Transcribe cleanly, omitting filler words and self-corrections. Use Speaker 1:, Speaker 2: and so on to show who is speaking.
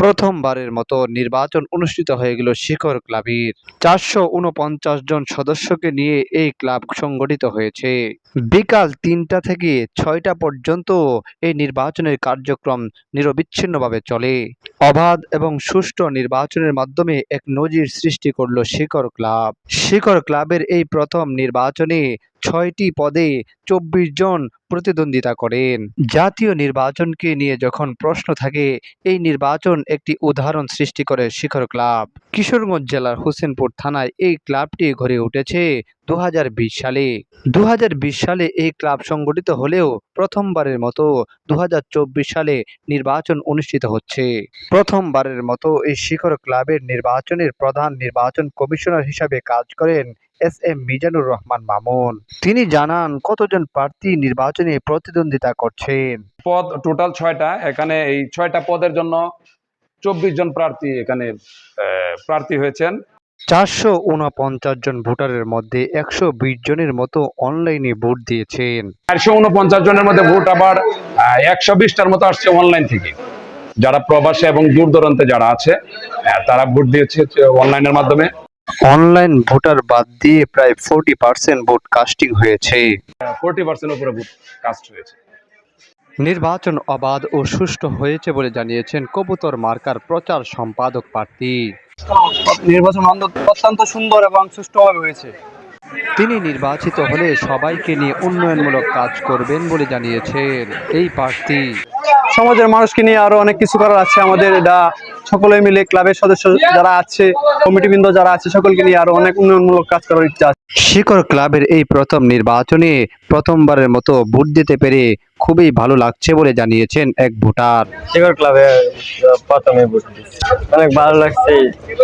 Speaker 1: প্রথমবারের মতো নির্বাচন অনুষ্ঠিত হয়ে গেল শিখর ক্লাবের। ৪৪৯ জন সদস্যকে নিয়ে এই ক্লাব সংগঠিত হয়েছে। বিকাল ৩টা থেকে ৬টা পর্যন্ত এই নির্বাচনের কার্যক্রম নিরবিচ্ছিন্নভাবে চলে। অবাধ এবং সুষ্ঠু নির্বাচনের মাধ্যমে এক নজির সৃষ্টি করল শিখর ক্লাব। শিখর ক্লাবের এই প্রথম নির্বাচনে ৬টি পদে ২৪ জন প্রতিদ্বন্দ্বিতা করেন। জাতীয় নির্বাচনকে নিয়ে যখন প্রশ্ন থাকে, এই নির্বাচন একটি উদাহরণ সৃষ্টি করে শিখর ক্লাব। কিশোরগঞ্জ জেলার হোসেনপুর থানায় এই ক্লাবটি গড়ে উঠেছে ২০২০ সালে। ২০২০ সালে এই ক্লাব সংগঠিত হলেও প্রথমবারের মতো ২০২৪ সালে নির্বাচন অনুষ্ঠিত হচ্ছে। প্রথমবারের মতো এই শিখর ক্লাবের নির্বাচনের প্রধান নির্বাচন কমিশনার হিসাবে কাজ করেন এস.এম. মিজানুর রহমান মামুন। তিনি জানান কতজন প্রার্থী নির্বাচনে প্রতিদ্বন্দ্বিতা করছেন।
Speaker 2: পদ টোটাল ৬টা। এখানে এই ৬টা পদের জন্য ২৪ জন প্রার্থী এখানে প্রার্থী হয়েছেন।
Speaker 1: ৪৪৯ জন ভোটারের মধ্যে ১২০ জনের মতো অনলাইনে ভোট দিয়েছেন।
Speaker 2: ৪৪৯ জনের মধ্যে ভোট আবার ১২০টার মতো আসছে অনলাইন থেকে। যারা প্রবাসে এবং দূর দূরান্তে যারা আছে তারা ভোট দিয়েছে অনলাইনের মাধ্যমে।
Speaker 1: অনলাইন ভোটার বাদ দিয়ে প্রায় 40% ভোট কাস্টিং হয়েছে।
Speaker 2: 40% উপরে ভোট কাস্ট হয়েছে।
Speaker 1: নির্বাচন অবাধ ও সুষ্ঠু হয়েছে বলে জানিয়েছেন কবুতর মার্কার প্রচার সম্পাদক প্রার্থী।
Speaker 3: নির্বাচন অত্যন্ত সুন্দর এবং সুষ্ঠুভাবে হয়েছে।
Speaker 1: তিনি নির্বাচিত হলে সবাইকে নিয়ে উন্নয়নমূলক কাজ করবেন বলে জানিয়েছেন এই প্রার্থী।
Speaker 3: সমাজের মানুষকে নিয়ে আরো অনেক কিছু করার আছে আমাদের। এটা সকলে মিলে ক্লাবের সদস্য যারা আছে, কমিটিবৃন্দ যারা আছে, সকলকে নিয়ে আরো অনেক উন্নয়নমূলক কাজ করার ইচ্ছা আছে।
Speaker 1: শিখর ক্লাবের এই প্রথম নির্বাচনে প্রথমবারের মতো ভোট দিতে পেরে খুবই ভালো লাগছে বলে জানিয়েছেন এক ভোটার।
Speaker 4: শিখর ক্লাবে প্রথমে ভোট দিচ্ছি, অনেক ভালো লাগছে।